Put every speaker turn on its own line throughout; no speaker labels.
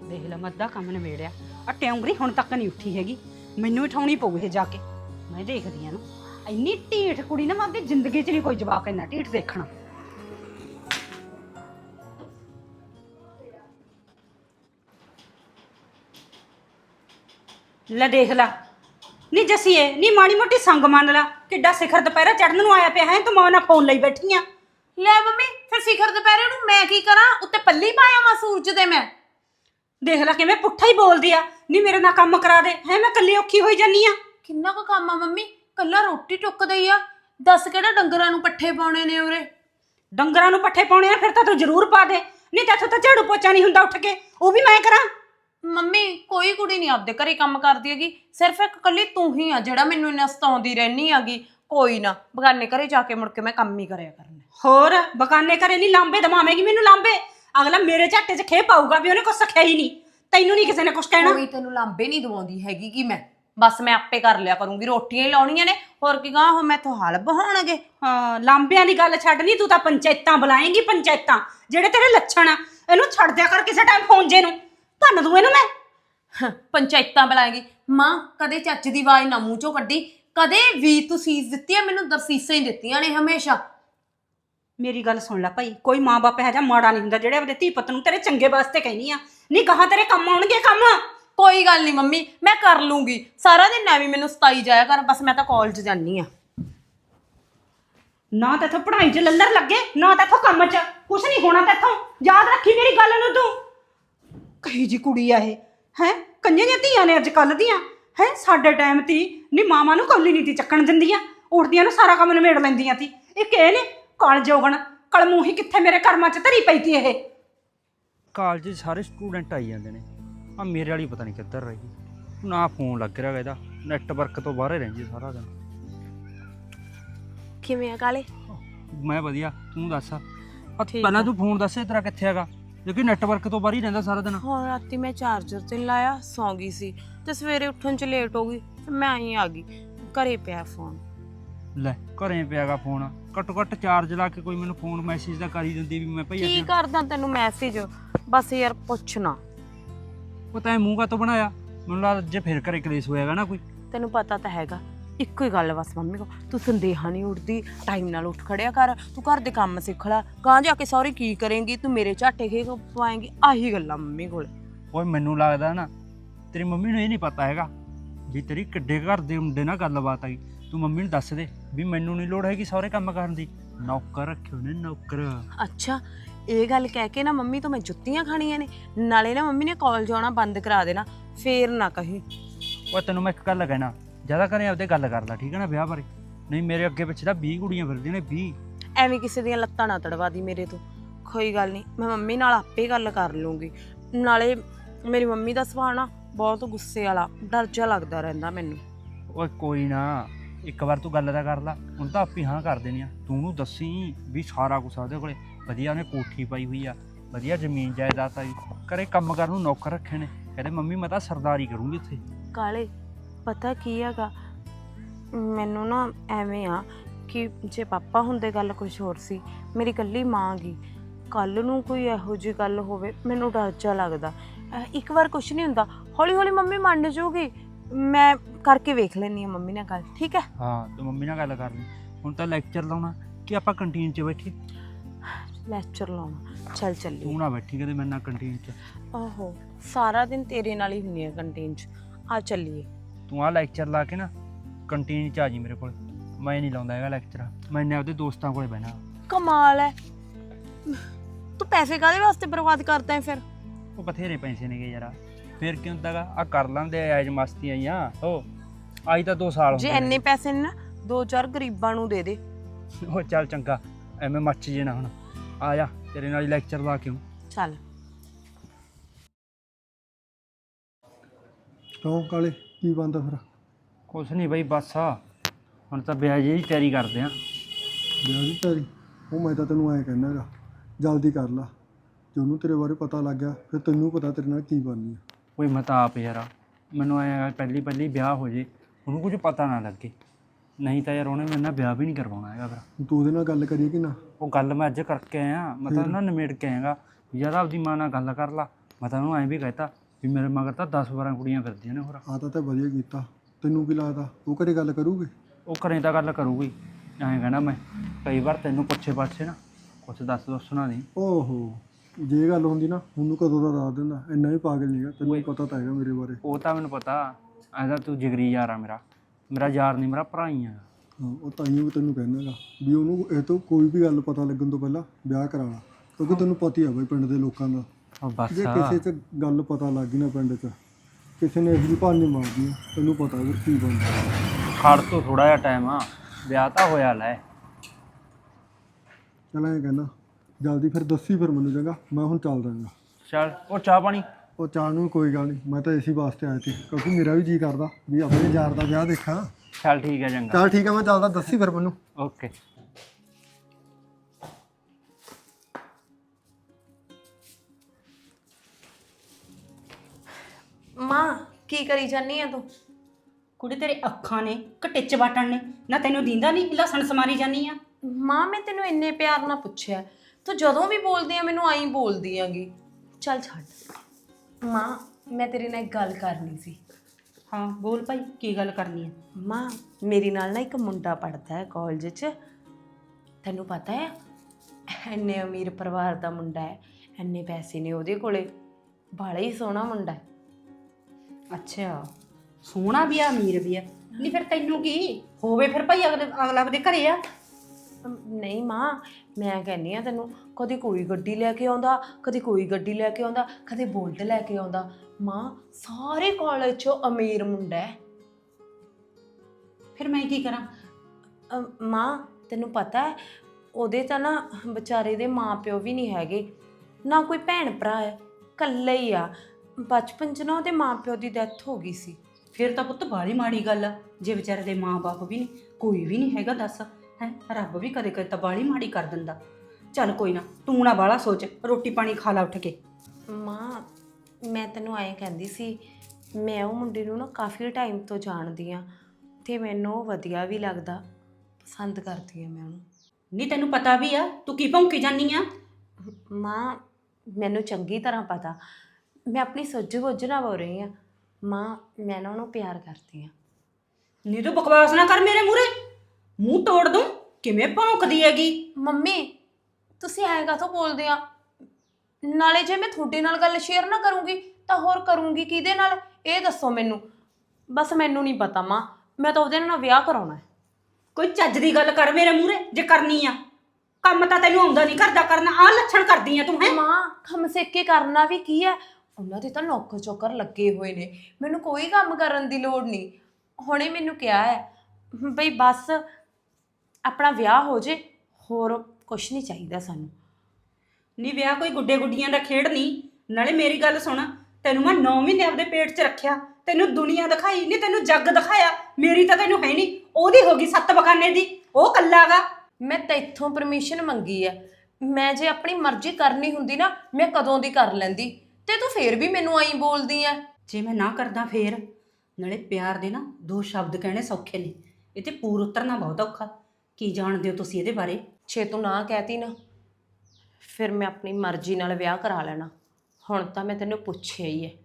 ਦੇਖ ਲੈ ਮੈਂ ਅੱਧਾ ਕੰਮ ਨਿਬੇੜਿਆ। ਆ ਟਿਉਂਗਰੀ ਹੁਣ ਤੱਕ ਨਹੀਂ ਉੱਠੀ ਹੈਗੀ। ਮੈਨੂੰ ਉਠਾਉਣੀ ਪਊ ਇਹ ਜਾ ਕੇ। ਮੈਂ ਦੇਖਦੀ ਆ ਨੂੰ ਇੰਨੀ ਢੀਠ ਕੁੜੀ ਨਾ ਮੈਂ ਆਪਣੀ ਜ਼ਿੰਦਗੀ 'ਚ ਨਹੀਂ ਕੋਈ ਜਵਾਕ ਇੰਨਾ ਢੀਠ ਦੇਖਣਾ। ਲੈ ਦੇਖ ਲਾ ਨੀ ਜੱਸੀਏ ਨੀ ਮਾੜੀ ਮੋਟੀ ਸੰਗ ਮੰਨ ਲਾ। ਕਿੱਡਾ ਸਿਖਰ ਦੁਪਹਿਰਾ ਚੜਨ ਨੂੰ ਆਇਆ ਪਿਆ ਹੈ ਤੂੰ ਮਾਂ ਨਾਲ ਫੋਨ ਲਈ ਬੈਠੀ ਆ।
ਲੈ ਮੰਮੀ ਫਿਰ ਸਿਖਰ ਦੁਪਹਿਰੇ ਨੂੰ ਮੈਂ ਕੀ ਕਰਾਂ? ਉੱਤੇ ਪੱਲੀ ਪਾਇਆ ਮਾ ਸੂਰਜ ਦੇ ਮੈਂ।
ਦੇਖ ਲੈ ਕਿਵੇਂ ਪੁੱਠਾ ਹੀ ਬੋਲਦੀ ਆ। ਨੀ ਮੇਰੇ ਨਾਲ ਕੰਮ ਕਰਾ ਦੇ ਹੈ ਮੈਂ ਇਕੱਲੀ ਔਖੀ ਹੋਈ ਜਾਨੀ ਆ।
ਕਿੰਨਾ ਕੁ ਕੰਮ ਆ ਮੰਮੀ? ਕੱਲਾ ਰੋਟੀ ਟੁੱਕਦਾ ਹੀ ਆ। ਦੱਸ ਕਿਹੜਾ ਡੰਗਰਾਂ ਨੂੰ ਪੱਠੇ ਪਾਉਣੇ ਨੇ ਉਰੇ?
ਡੰਗਰਾਂ ਨੂੰ ਪੱਠੇ ਪਾਉਣੇ ਆ ਫਿਰ ਤਾਂ ਤੂੰ ਜ਼ਰੂਰ ਪਾ ਦੇ। ਨਹੀਂ ਤਾਂ ਇੱਥੋਂ ਤਾਂ ਝਾੜੂ ਪੋਚਾ ਨਹੀਂ ਹੁੰਦਾ ਉੱਠ ਕੇ ਉਹ ਵੀ ਮੈਂ ਕਰਾਂ।
ਮੰਮੀ ਕੋਈ ਕੁੜੀ ਨਹੀਂ ਆਪਦੇ ਘਰੇ ਕੰਮ ਕਰਦੀ ਹੈਗੀ। ਸਿਰਫ ਇੱਕ ਕੱਲੀ ਤੂੰ ਹੀ ਆ ਜਿਹੜਾ ਮੈਨੂੰ ਇੰਨਾ ਸਤਾਉਂਦੀ ਰਹਿਨੀ ਹੈਗੀ। ਕੋਈ ਨਾ ਬਗਾਨੇ ਘਰੇ ਜਾ ਕੇ ਮੁੜ ਕੇ ਮੈਂ ਕੰਮ ਹੀ ਕਰਿਆ ਕਰਨਾ।
ਹੋਰ ਬਗਾਨੇ ਘਰੇ ਨਹੀਂ ਲਾਂਬੇ ਦਵਾਵੇਂਗੀ ਮੈਨੂੰ ਲਾਂਬੇ। ਅਗਲਾ ਮੇਰੇ ਝਾਟੇ 'ਚ ਖੇ ਪਾਊਗਾ ਵੀ ਉਹਨੇ ਕੁਛ ਸਿੱਖਿਆ ਹੀ ਨਹੀਂ। ਤੈਨੂੰ ਨਹੀਂ ਕਿਸੇ ਨੇ ਕੁਛ ਕਹਿਣਾ।
ਕੋਈ ਤੈਨੂੰ ਲਾਂਬੇ ਨਹੀਂ ਦਵਾਉਂਦੀ ਹੈਗੀ ਕਿ ਮੈਂ ਬਸ ਮੈਂ ਆਪੇ ਕਰ ਲਿਆ ਕਰੂੰਗੀ। ਰੋਟੀਆਂ ਹੀ ਲਾਉਣੀਆਂ ਨੇ ਹੋਰ ਕੀ ਗਾਂ ਉਹ ਮੈਥੋਂ ਹਲ ਬਹਾਉਣਗੇ।
ਹਾਂ ਲਾਂਬਿਆਂ ਦੀ ਗੱਲ ਛੱਡ ਨਹੀਂ ਤੂੰ ਤਾਂ ਪੰਚਾਇਤਾਂ ਬੁਲਾਏਂਗੀ। ਪੰਚਾਇਤਾਂ ਜਿਹੜੇ ਤੇਰੇ ਲੱਛਣ ਆ ਇਹਨੂੰ ਛੱਡ ਦਿਆ ਕਰ ਕਿਸੇ ਟਾਈਮ ਫੋਨ ਜੇ ਨੂੰ ਭੰਨ ਦੂੰ ਇਹਨੂੰ ਮੈਂ।
ਪੰਚਾਇਤਾਂ ਬੁਲਾਏਗੀ ਮਾਂ? ਕਦੇ ਚੱਜ ਦੀ ਆਵਾਜ਼ ਨਾ ਮੂੰਹ ਚੋਂ ਕੱਢੀ। ਕਦੇ ਵੀ ਤੂੰ ਸੀਸ ਦਿੱਤੀ ਆ ਮੈਨੂੰ? ਦਰਸੀਸਾਂ ਹੀ ਦਿੱਤੀਆਂ ਨੇ ਹਮੇਸ਼ਾ।
ਮੇਰੀ ਗੱਲ ਸੁਣ ਲੈ ਭਾਈ ਕੋਈ ਮਾਂ ਬਾਪ ਹੈ ਜਾਂ ਮਾੜਾ ਨਹੀਂ ਹੁੰਦਾ ਜਿਹੜੇ ਆਪਦੇ ਧੀ ਪੁੱਤ ਨੂੰ ਤੇਰੇ ਚੰਗੇ ਵਾਸਤੇ ਕਹਿਨੀ ਆ। ਨਹੀਂ ਕਹਾਂ ਤੇਰੇ ਕੰਮ ਆਉਣਗੇ ਕੰਮ।
ਕੋਈ ਗੱਲ ਨਹੀਂ ਮੰਮੀ ਮੈਂ ਕਰ ਲੂੰਗੀ। ਸਾਰਾ ਦਿਨ ਐਵੇਂ ਮੈਨੂੰ ਸਤਾਈ ਜਾਇਆ ਕਰ। ਬਸ ਮੈਂ ਤਾਂ ਕਾਲਜ ਜਾਨੀ ਆ।
ਨਾ ਤਾਂ ਇੱਥੋਂ ਪੜ੍ਹਾਈ 'ਚ ਲੱਲਰ ਲੱਗੇ ਨਾ ਤਾਂ ਇੱਥੋਂ ਕੰਮ 'ਚ ਕੁਛ ਨਹੀਂ ਹੋਣਾ। ਤਾਂ ਇੱਥੋਂ ਯਾਦ ਰੱਖੀ ਮੇਰੀ ਗੱਲ ਨੂੰ ਤੂੰ। ਕਹੀ ਜੀ ਕੁੜੀ ਆ ਇਹ ਹੈ। ਕੰਨਿਆਂ ਦੀਆਂ ਧੀਆਂ ਨੇ ਅੱਜ ਕੱਲ੍ਹ ਦੀਆਂ ਹੈ। ਸਾਡੇ ਟਾਈਮ ਤੀ ਨੀ ਮਾਵਾਂ ਨੂੰ ਕੌਲੀ ਨਹੀਂ ਤੀ ਚੱਕਣ ਦਿੰਦੀਆਂ। ਉੱਠਦੀਆਂ ਨੂੰ ਸਾਰਾ ਕੰਮ ਨਿਬੇੜ ਲੈਂਦੀਆਂ ਤੀ। ਇੱਕ ਇਹ ਨੇ ਕਲ ਜੋਗਣ ਕਲਮੂਹੀ ਕਿੱਥੇ ਮੇਰੇ ਕਰਮਾਂ 'ਚ ਧਰੀ ਪਈ ਤੀ ਇਹ।
ਕਾਲਜ ਸਾਰੇ ਸਟੂਡੈਂਟ ਆਈ ਜਾਂਦੇ ਨੇ। ਆ ਮੇਰੇ ਵਾਲੀ ਪਤਾ ਨਹੀਂ ਕਿੱਧਰ ਰਹਿ ਗਈ। ਨਾ ਫੋਨ ਲੱਗ ਰਿਹਾ ਇਹਦਾ ਨੈਟਵਰਕ ਤੋਂ ਬਾਹਰ ਹੀ ਰਹਿੰਦੀ ਸਾਰਾ ਦਿਨ।
ਕਿਵੇਂ ਆ ਕਾਲੇ?
ਮੈਂ ਵਧੀਆ ਤੂੰ ਦੱਸ। ਪਹਿਲਾਂ ਤੂੰ ਫੋਨ ਦੱਸ ਤੇਰਾ ਕਿੱਥੇ ਹੈਗਾ ਕਿਉਂਕਿ ਨੈਟਵਰਕ ਤੋਂ ਬਾਹਰ ਹੀ ਰਹਿੰਦਾ ਸਾਰਾ ਦਿਨ।
ਹੁਣ ਰਾਤੀ ਮੈਂ ਚਾਰਜਰ ਤੇ ਲਾਇਆ ਸੌਂ ਗਈ ਸੀ ਤੇ ਸਵੇਰੇ ਉੱਠਣ ਚ ਲੇਟ ਹੋ ਗਈ। ਫਿਰ ਮੈਂ ਆਈ ਆ ਗਈ ਘਰੇ ਪਿਆ ਫੋਨ।
ਲੈ ਘਰੇ ਪਿਆਗਾ ਫੋਨ ਘੱਟੋ ਘੱਟ ਚਾਰਜ ਲਾ ਕੇ ਕੋਈ ਮੈਨੂੰ ਫੋਨ ਮੈਸੇਜ ਤਾਂ ਕਰ ਹੀ ਦਿੰਦੀ ਵੀ ਮੈਂ ਭਈ
ਕੀ ਕਰਦਾ ਤੈਨੂੰ ਮੈਸੇਜ? ਬਸ ਯਾਰ ਪੁੱਛਣਾ।
ਉਹ ਤਾਂ ਮੂੰਹ ਕਾਤੋਂ ਬਣਾਇਆ? ਮੈਨੂੰ ਲੱਗਦਾ ਜੇ ਫਿਰ ਘਰੇ ਕਲੇਸ਼ ਹੋਇਆਗਾ ਨਾ ਕੋਈ।
ਤੈਨੂੰ ਪਤਾ ਤਾਂ ਹੈਗਾ ਇੱਕੋ ਹੀ ਗੱਲ ਬਸ ਮੰਮੀ ਕੋ ਤੂੰ ਸੰਦੇਹਾ ਨਹੀਂ ਉੱਠਦੀ। ਟਾਈਮ ਨਾਲ ਉੱਠ ਖੜਿਆ ਕਰ। ਤੂੰ ਘਰ ਦੇ ਕੰਮ ਸਿੱਖ ਲੈ। ਗਾਂ ਜਾ ਕੇ ਸਹੁਰੇ ਕੀ ਕਰੇਂਗੀ? ਤੂੰ ਮੇਰੇ ਝਾਟੇ ਖੇ ਪਵਾਏਂਗੀ। ਆਹੀ ਗੱਲਾਂ ਮੰਮੀ ਕੋਲ।
ਓਏ ਮੈਨੂੰ ਲੱਗਦਾ ਨਾ ਤੇਰੀ ਮੰਮੀ ਨੂੰ ਇਹ ਨਹੀਂ ਪਤਾ ਹੈਗਾ ਵੀ ਤੇਰੀ ਕਿੱਡੇ ਘਰ ਦੇ ਮੁੰਡੇ ਨਾਲ ਗੱਲਬਾਤ ਆਈ। ਤੂੰ ਮੰਮੀ ਨੂੰ ਦੱਸ ਦੇ ਵੀ ਮੈਨੂੰ ਨਹੀਂ ਲੋੜ ਹੈਗੀ ਸਹੁਰੇ ਕੰਮ ਕਰਨ ਦੀ। ਨੌਕਰ ਰੱਖਿਓ ਨੇ ਨੌਕਰ। ਅੱਛਾ
ਇਹ ਗੱਲ ਕਹਿ ਕੇ ਨਾ ਮੰਮੀ ਤੋਂ ਮੈਂ ਜੁੱਤੀਆਂ ਖਾਣੀਆਂ ਨੇ। ਨਾਲੇ ਨਾ ਮੰਮੀ ਨੇ ਕਾਲਜ ਆਉਣਾ ਬੰਦ ਕਰਾ ਦੇਣਾ। ਫੇਰ ਨਾ ਕਹੀ।
ਓਏ ਤੈਨੂੰ ਮੈਂ ਇੱਕ ਗੱਲ ਕਹਿਣਾ ਜ਼ਿਆਦਾ ਕਰੇ ਆਪਦੇ ਗੱਲ ਕਰ ਲੈ ਠੀਕ ਹੈ ਨਾ ਵਿਆਹ ਬਾਰੇ। ਨਹੀਂ ਮੇਰੇ ਅੱਗੇ ਪਿੱਛੇ ਤਾਂ 20 ਕੁੜੀਆਂ ਫਿਰਦੀਆਂ ਨੇ 20।
ਐਵੇਂ ਕਿਸੇ ਦੀਆਂ ਲੱਤਾਂ ਨਾ ਤੜਵਾ ਦੀ ਮੇਰੇ ਤੋਂ। ਕੋਈ ਗੱਲ ਨਹੀਂ ਮੈਂ ਮੰਮੀ ਨਾਲ ਆਪੇ ਗੱਲ ਕਰ ਲੂੰਗੀ। ਨਾਲੇ ਮੇਰੀ ਮੰਮੀ ਦਾ ਸੁਭਾਅ ਨਾ ਬਹੁਤ ਗੁੱਸੇ ਵਾਲਾ ਡਰ ਜਿਹਾ ਲੱਗਦਾ ਰਹਿੰਦਾ ਮੈਨੂੰ।
ਓਏ ਕੋਈ ਨਾ ਇੱਕ ਵਾਰ ਤੂੰ ਗੱਲ ਤਾਂ ਕਰ ਲੈ। ਹੁਣ ਤਾਂ ਆਪੇ ਹਾਂ ਕਰ ਦੇਣੀ ਆ। ਤੂੰ ਉਹਨੂੰ ਦੱਸੀ ਵੀ ਸਾਰਾ ਕੁਛ ਉਹਦੇ ਕੋਲੇ ਵਧੀਆ। ਉਹਨੇ ਕੋਠੀ ਪਾਈ ਹੋਈ ਆ ਵਧੀਆ ਜ਼ਮੀਨ ਜਾਇਦਾਦ ਆਈ ਘਰੇ ਕੰਮ ਕਰਨ ਨੂੰ ਨੌਕਰ ਰੱਖੇ ਨੇ। ਕਹਿੰਦੇ ਮੰਮੀ ਮੈਂ ਤਾਂ ਸਰਦਾਰੀ ਕਰੂੰਗੀ ਉੱਥੇ।
ਕਾਲੇ ਪਤਾ ਕੀ ਹੈਗਾ ਮੈਨੂੰ ਨਾ ਐਵੇਂ ਆ ਕਿ ਜੇ ਪਾਪਾ ਹੁੰਦੇ ਗੱਲ ਕੁਛ ਹੋਰ ਸੀ। ਮੇਰੀ ਇਕੱਲੀ ਮਾਂ ਗੀ। ਕੱਲ ਨੂੰ ਕੋਈ ਇਹੋ ਜਿਹੀ ਗੱਲ ਹੋਵੇ ਮੈਨੂੰ ਡਰ ਜਿਹਾ ਲੱਗਦਾ। ਇੱਕ ਵਾਰ ਕੁਛ ਨਹੀਂ ਹੁੰਦਾ। ਹੌਲੀ ਹੌਲੀ ਮੰਮੀ ਮੰਨ ਜਾਊਗੀ। ਮੈਂ ਕਰਕੇ ਵੇਖ ਲੈਂਦੀ ਹਾਂ ਮੰਮੀ ਨਾਲ ਗੱਲ। ਠੀਕ ਹੈ?
ਹਾਂ ਤੂੰ ਮੰਮੀ ਨਾਲ ਗੱਲ ਕਰ ਲਈ। ਹੁਣ ਤਾਂ ਲੈਕਚਰ ਲਾਉਣਾ ਕਿ ਆਪਾਂ ਕੰਟੀਨ 'ਚ ਬੈਠੀ?
ਲੈਕਚਰ ਲਾਉਣਾ। ਚੱਲ ਚੱਲੀ।
ਤੂੰ ਨਾ ਬੈਠੀ ਕਦੇ ਮੇਰੇ ਨਾਲ ਕੰਟੀਨ 'ਚ।
ਆਹੋ ਸਾਰਾ ਦਿਨ ਤੇਰੇ ਨਾਲ ਹੀ ਹੁੰਦੀ ਆ ਕੰਟੀਨ 'ਚ। ਆ ਚੱਲੀਏ।
ਤੂੰ ਆਹ ਲੈਕਚਰ ਲਾ ਕੇ ਨਾ ਕੰਟੀਨ 'ਚ ਆ ਜੀ ਮੇਰੇ ਕੋਲ। ਮੈਂ ਨਹੀਂ ਲਾਉਂਦਾ ਹੈਗਾ ਲੈਕਚਰ। ਮੈਨੇ ਆਪਦੇ ਦੋਸਤਾਂ ਕੋਲੇ ਬਹਿਣਾ।
ਕਮਾਲ ਹੈ। ਤੂੰ ਪੈਸੇ ਕਾਹਦੇ ਵਾਸਤੇ ਬਰਬਾਦ ਕਰਦਾ ਹੈ ਫਿਰ?
ਉਹ ਬਥੇਰੇ ਪੈਸੇ ਨੇਗੇ ਯਾਰ। ਫਿਰ ਕੀ ਹੁੰਦਾਗਾ ਆ ਕਰ ਲੈਂਦੇ ਐਜ ਮਸਤੀ ਆਈਆਂ। ਉਹ ਆਈ ਤਾਂ 2 ਸਾਲ
ਜੇ
ਹੁੰਦੇ
ਇੰਨੇ ਪੈਸੇ ਨੇ ਨਾ 2-4 ਗਰੀਬਾਂ ਨੂੰ ਦੇ ਦੇ।
ਉਹ ਚੱਲ ਚੰਗਾ ਐਵੇਂ ਮੱਚ ਜੇ ਨਾ। ਹੁਣ ਆ ਜਾ ਤੇਰੇ ਨਾਲ ਹੀ ਲੈਕਚਰ ਲਾ ਕੇ।
ਚੱਲ।
ਕਿਉਂ ਕਾਲੇ ਕੀ ਬਣਦਾ ਫਿਰ?
ਕੁਛ ਨਹੀਂ ਬਈ ਬਸ ਹੁਣ ਤਾਂ ਵਿਆਹ ਜੀ ਦੀ ਤਿਆਰੀ ਕਰਦੇ ਆ।
ਵਿਆਹ ਦੀ ਤਿਆਰੀ? ਉਹ ਮੈਂ ਤਾਂ ਤੈਨੂੰ ਐਂ ਕਹਿਣਾ ਗਾ ਜਲਦੀ ਕਰ ਲਾ। ਜੇ ਉਹਨੂੰ ਤੇਰੇ ਬਾਰੇ ਪਤਾ ਲੱਗ ਗਿਆ ਫਿਰ ਤੈਨੂੰ ਪਤਾ ਤੇਰੇ ਨਾਲ ਕੀ ਬਣਨੀ ਆ।
ਓਏ ਮੈਂ ਤਾਂ ਆਪ ਯਾਰ ਮੈਨੂੰ ਐਂ ਪਹਿਲੀ ਵਿਆਹ ਹੋ ਜੇ ਉਹਨੂੰ ਕੁਝ ਪਤਾ ਨਾ ਲੱਗੇ। ਨਹੀਂ ਤਾਂ ਯਾਰ ਉਹਨੇ ਮੇਰੇ ਨਾਲ ਵਿਆਹ ਵੀ ਨਹੀਂ ਕਰਵਾਉਣਾ ਹੈਗਾ। ਫਿਰ
ਤੂੰ ਉਹਦੇ ਨਾਲ ਗੱਲ ਕਰੀਏ ਕਿ ਨਾ?
ਉਹ ਗੱਲ ਮੈਂ ਅੱਜ ਕਰਕੇ ਆਇਆ। ਮੈਂ ਤਾਂ ਨਾ ਨਿਮੇੜ ਕੇ ਆਏਗਾ। ਯਾਰ ਆਪਦੀ ਮਾਂ ਨਾਲ ਗੱਲ ਕਰ ਲਾ ਮੈਂ ਤਾਂ ਉਹਨੂੰ ਐਂ ਵੀ ਕਹਿਤਾ ਵੀ ਮੇਰੇ ਮਗਰ ਤਾਂ 10-12 ਕੁੜੀਆਂ ਫਿਰਦੀਆਂ ਨੇ ਹੋਰ।
ਆ ਤਾਂ ਵਧੀਆ ਕੀਤਾ। ਤੈਨੂੰ ਕੀ ਲੱਗਦਾ ਉਹ ਘਰੇ ਗੱਲ ਕਰੂਗੇ?
ਉਹ ਘਰੇ ਤਾਂ ਗੱਲ ਕਰੂਗੀ, ਐਂ ਕਹਿਣਾ ਮੈਂ ਕਈ ਵਾਰ ਤੈਨੂੰ ਪੁੱਛੇ ਪਾਛੇ ਨਾ ਕੁਛ ਦੱਸਣਾ ਨਹੀਂ।
ਓਹੋ, ਜੇ ਗੱਲ ਹੁੰਦੀ ਨਾ ਉਹਨੂੰ ਕਦੋਂ ਦਾ ਦੱਸ ਦਿੰਦਾ। ਇੰਨਾ ਵੀ ਪਾਗਲ ਨਹੀਂਗਾ, ਤੈਨੂੰ ਪਤਾ ਤਾਂ ਹੈਗਾ ਮੇਰੇ ਬਾਰੇ।
ਉਹ ਤਾਂ ਮੈਨੂੰ ਪਤਾ, ਐਦਾ ਤੂੰ ਜਿਗਰੀ ਯਾਰ ਆ ਮੇਰਾ। ਮੇਰਾ ਯਾਰ ਨਹੀਂ, ਮੇਰਾ ਭਰਾ ਹੀ ਆ।
ਹਾਂ, ਉਹ ਤਾਂ ਹੀ ਤੈਨੂੰ ਕਹਿਣਾਗਾ ਵੀ ਉਹਨੂੰ ਇਹ ਤੋਂ ਕੋਈ ਵੀ ਗੱਲ ਪਤਾ ਲੱਗਣ ਤੋਂ ਪਹਿਲਾਂ ਵਿਆਹ ਕਰਾ ਲਾ, ਕਿਉਂਕਿ ਤੈਨੂੰ ਪਤਾ ਹੀ ਆ ਬਈ ਪਿੰਡ ਦੇ ਲੋਕਾਂ ਦਾ।
ਉਹ ਬਸ
ਜੇ ਕਿਸੇ 'ਚ ਗੱਲ ਪਤਾ ਲੱਗ ਗਈ ਨਾ ਪਿੰਡ 'ਚ, ਕਿਸੇ ਨੇ ਇਹੋ ਜਿਹੀ ਭਾਨੀ ਮਾਰਦੀ, ਤੈਨੂੰ ਪਤਾ ਫਿਰ ਕੀ ਬਣਦਾ।
ਖੜ ਤੋਂ ਥੋੜਾ ਜਿਹਾ ਟਾਈਮ ਆ, ਵਿਆਹ ਤਾਂ ਹੋਇਆ ਲੈ।
ਚੱਲ ਐਂ ਕਹਿੰਦਾ ਜਲਦੀ ਫਿਰ ਦੱਸੀ ਫਿਰ ਮੈਨੂੰ, ਚੰਗਾ? ਮੈਂ ਹੁਣ ਚੱਲਦਾ ਗਾ।
ਚੱਲ ਉਹ ਚਾਹ ਪਾਣੀ।
ਉਹ ਚਾਹ ਨੂੰ ਕੋਈ ਗੱਲ ਨਹੀਂ, ਮੈਂ ਤਾਂ ਇਸੇ ਵਾਸਤੇ ਆਇਆ ਸੀ ਕਿਉਂਕਿ ਮੇਰਾ ਵੀ ਜੀ ਕਰਦਾ ਵੀ ਆਪਣੇ ਯਾਰ ਦਾ ਵਿਆਹ ਦੇਖਾਂ।
ਚੱਲ ਠੀਕ ਹੈ, ਚੰਗਾ।
ਚੱਲ ਠੀਕ ਆ, ਮੈਂ ਚੱਲਦਾ, ਦੱਸੀ ਫਿਰ ਮੈਨੂੰ।
ਓਕੇ।
ਮਾਂ ਕੀ ਕਰੀ ਜਾਨੀ ਆ ਤੂੰ?
ਕੁੜੀ ਤੇਰੇ ਅੱਖਾਂ ਨੇ ਘਟਿੱਚ ਵਾਟਣ ਨੇ, ਨਾ ਤੈਨੂੰ ਦੀਂਦਾ ਨਹੀਂ ਲਸਣ ਸਮਾਰੀ ਜਾਨੀ ਆ।
ਮਾਂ ਮੈਂ ਤੈਨੂੰ ਇੰਨੇ ਪਿਆਰ ਨਾਲ ਪੁੱਛਿਆ, ਤੂੰ ਜਦੋਂ ਵੀ ਬੋਲਦੀ ਆ ਮੈਨੂੰ ਆਈ ਬੋਲਦੀ ਆਂਗੀ। ਚੱਲ ਛੱਡ ਮਾਂ, ਮੈਂ ਤੇਰੇ ਨਾਲ ਇੱਕ ਗੱਲ ਕਰਨੀ ਸੀ।
ਹਾਂ ਬੋਲ ਭਾਈ, ਕੀ ਗੱਲ ਕਰਨੀ ਆ?
ਮਾਂ ਮੇਰੇ ਨਾਲ ਨਾ ਇੱਕ ਮੁੰਡਾ ਪੜਦਾ ਹੈ ਕਾਲਜ 'ਚ, ਤੈਨੂੰ ਪਤਾ ਹੈ ਇੰਨੇ ਅਮੀਰ ਪਰਿਵਾਰ ਦਾ ਮੁੰਡਾ ਹੈ, ਇੰਨੇ ਪੈਸੇ ਨੇ ਉਹਦੇ ਕੋਲੇ, ਬਾਲਾ ਹੀ ਸੋਹਣਾ ਮੁੰਡਾ ਹੈ।
ਅੱਛਾ, ਸੋਹਣਾ ਵੀ ਆ ਅਮੀਰ ਵੀ ਆ। ਨਹੀਂ ਫਿਰ ਤੈਨੂੰ ਕੀ ਹੋਵੇ ਫਿਰ ਭਾਈ, ਅਗਲਾ ਦੇ ਘਰੇ ਆ।
ਨਹੀਂ ਮਾਂ, ਮੈਂ ਕਹਿੰਦੀ ਆ ਤੈਨੂੰ, ਕਦੇ ਕੋਈ ਗੱਡੀ ਲੈ ਕੇ ਆਉਂਦਾ, ਕਦੇ ਕੋਈ ਗੱਡੀ ਲੈ ਕੇ ਆਉਂਦਾ, ਕਦੇ ਬੁਲਟ ਲੈ ਕੇ ਆਉਂਦਾ। ਮਾਂ ਸਾਰੇ ਕਾਲਜ 'ਚੋਂ ਅਮੀਰ ਮੁੰਡਾ ਹੈ।
ਫਿਰ ਮੈਂ ਕੀ ਕਰਾਂ?
ਮਾਂ ਤੈਨੂੰ ਪਤਾ ਹੈ ਉਹਦੇ ਤਾਂ ਨਾ ਵਿਚਾਰੇ ਦੇ ਮਾਂ ਪਿਓ ਵੀ ਨਹੀਂ ਹੈਗੇ, ਨਾ ਕੋਈ ਭੈਣ ਭਰਾ ਹੈ, ਇਕੱਲਾ ਹੀ ਆ। ਬਚਪਨ 'ਚ ਨਾ ਉਹਦੇ ਮਾਂ ਪਿਓ ਦੀ ਡੈਥ ਹੋ ਗਈ ਸੀ।
ਫਿਰ ਤਾਂ ਪੁੱਤ ਬਾਹਲੀ ਮਾੜੀ ਗੱਲ ਆ, ਜੇ ਵਿਚਾਰੇ ਦੇ ਮਾਂ-ਬਾਪ ਵੀ ਨਹੀਂ, ਕੋਈ ਵੀ ਨਹੀਂ ਹੈਗਾ, ਦੱਸ ਹੈ। ਰੱਬ ਵੀ ਕਦੇ ਕਦੇ ਤਾਂ ਬਾਹਲੀ ਮਾੜੀ ਕਰ ਦਿੰਦਾ। ਚੱਲ ਕੋਈ ਨਾ, ਤੂੰ ਨਾ ਬਾਹਲਾ ਸੋਚ, ਰੋਟੀ ਪਾਣੀ ਖਾ ਲਾ ਉੱਠ ਕੇ।
ਮਾਂ ਮੈਂ ਤੈਨੂੰ ਐਂ ਕਹਿੰਦੀ ਸੀ, ਮੈਂ ਉਹ ਮੁੰਡੇ ਨੂੰ ਨਾ ਕਾਫੀ ਟਾਈਮ ਤੋਂ ਜਾਣਦੀ ਆ, ਤੇ ਮੈਨੂੰ ਉਹ ਵਧੀਆ ਵੀ ਲੱਗਦਾ, ਪਸੰਦ ਕਰਦੀ ਆ ਮੈਂ ਉਹਨੂੰ।
ਨਹੀਂ ਤੈਨੂੰ ਪਤਾ ਵੀ ਆ, ਤੂੰ ਕੀ ਭੌਂਕੀ ਜਾਨੀ ਆ?
ਮਾਂ ਮੈਨੂੰ ਚੰਗੀ ਤਰ੍ਹਾਂ ਪਤਾ, ਮੈਂ ਆਪਣੀ ਸੁੱਝ ਬੁੱਝ ਨਾਲ ਬੋਲ ਰਹੀ ਆ। ਮਾਂ ਮੈਂ ਨਾ ਉਹਨੂੰ ਪਿਆਰ ਕਰਦੀ ਆ।
ਨਹੀਂ ਤੂੰ ਬਕਵਾਸ ਨਾ ਕਰ ਮੇਰੇ ਮੂਹਰੇ, ਮੂੰਹ ਤੋੜ ਦੂੰ। ਕਿਵੇਂ ਭੌਂਕਦੀ ਹੈਗੀ?
ਮੰਮੀ ਤੁਸੀਂ ਐਂ ਕਾਹਤੋਂ ਬੋਲਦੇ ਆ? ਨਾਲੇ ਜੇ ਮੈਂ ਤੁਹਾਡੇ ਨਾਲ ਗੱਲ ਸ਼ੇਅਰ ਨਾ ਕਰੂੰਗੀ ਤਾਂ ਹੋਰ ਕਰੂੰਗੀ ਕਿਹਦੇ ਨਾਲ, ਇਹ ਦੱਸੋ ਮੈਨੂੰ। ਬਸ ਮੈਨੂੰ ਨਹੀਂ ਪਤਾ ਮਾਂ, ਮੈਂ ਤਾਂ ਉਹਦੇ ਨਾਲ ਵਿਆਹ ਕਰਾਉਣਾ ਹੈ।
ਕੋਈ ਚੱਜ ਦੀ ਗੱਲ ਕਰ ਮੇਰੇ ਮੂਹਰੇ ਜੇ ਕਰਨੀ ਆ। ਕੰਮ ਤਾਂ ਤੈਨੂੰ ਆਉਂਦਾ ਨਹੀਂ ਘਰ ਦਾ ਕਰਨਾ, ਆਹ ਲੱਛਣ ਕਰਦੀ ਆ ਤੂੰ ਹੈ।
ਮਾਂ ਖਮ ਸੇਕੇ ਕਰਨਾ ਵੀ ਕੀ ਹੈ, ਉਹਨਾਂ ਦੇ ਤਾਂ ਨੌਕਰ ਚੋਕਰ ਲੱਗੇ ਹੋਏ ਨੇ, ਮੈਨੂੰ ਕੋਈ ਕੰਮ ਕਰਨ ਦੀ ਲੋੜ ਨਹੀਂ। ਹੁਣੇ ਮੈਨੂੰ ਕਿਹਾ ਹੈ ਬਈ ਬਸ ਆਪਣਾ ਵਿਆਹ ਹੋ ਜੇ, ਹੋਰ ਕੁਛ ਨਹੀਂ ਚਾਹੀਦਾ ਸਾਨੂੰ।
ਨਹੀਂ ਵਿਆਹ ਕੋਈ ਗੁੱਡੇ ਗੁੱਡੀਆਂ ਦਾ ਖੇਡ ਨਹੀਂ। ਨਾਲੇ ਮੇਰੀ ਗੱਲ ਸੁਣ, ਤੈਨੂੰ ਮੈਂ 9 ਮਹੀਨੇ ਆਪਦੇ ਪੇਟ 'ਚ ਰੱਖਿਆ, ਤੈਨੂੰ ਦੁਨੀਆ ਦਿਖਾਈ ਨਹੀਂ, ਤੈਨੂੰ ਜੱਗ ਦਿਖਾਇਆ। ਮੇਰੀ ਤਾਂ ਤੈਨੂੰ ਹੈ ਨਹੀਂ, ਉਹਦੀ ਹੋ ਗਈ 7 ਬਗਾਨੇ ਦੀ, ਉਹ ਕੱਲਾ ਗਾ।
ਮੈਂ ਤੈਥੋਂ ਪਰਮਿਸ਼ਨ ਮੰਗੀ ਹੈ, ਮੈਂ ਜੇ ਆਪਣੀ ਮਰਜ਼ੀ ਕਰਨੀ ਹੁੰਦੀ ਨਾ ਮੈਂ ਕਦੋਂ ਦੀ ਕਰ ਲੈਂਦੀ, ਤੇ ਤੂੰ ਫੇਰ ਵੀ ਮੈਨੂੰ ਆਈ ਬੋਲਦੀ ਐ।
ਜੇ ਮੈਂ ਨਾ ਕਰਦਾ ਫੇਰ? ਨਾਲੇ ਪਿਆਰ ਦੇ ਨਾ 2 ਸ਼ਬਦ ਕਹਿਣੇ ਸੌਖੇ ਨੇ, ਇਹ ਤੇ ਪੂਰ ਉਤਰਨਾ ਬਹੁਤ ਔਖਾ। ਕੀ ਜਾਣਦੇ ਹੋ ਤੁਸੀਂ ਇਹਦੇ ਬਾਰੇ?
ਛੇ ਤੂੰ ਨਾ ਕਹਿਤੀ ਨਾ, ਫਿਰ ਮੈਂ ਆਪਣੀ ਮਰਜ਼ੀ ਨਾਲ ਵਿਆਹ ਕਰਾ ਲੈਣਾ। ਹੁਣ ਤਾਂ ਮੈਂ ਤੈਨੂੰ ਪੁੱਛਿਆ ਹੀ ਹੈ।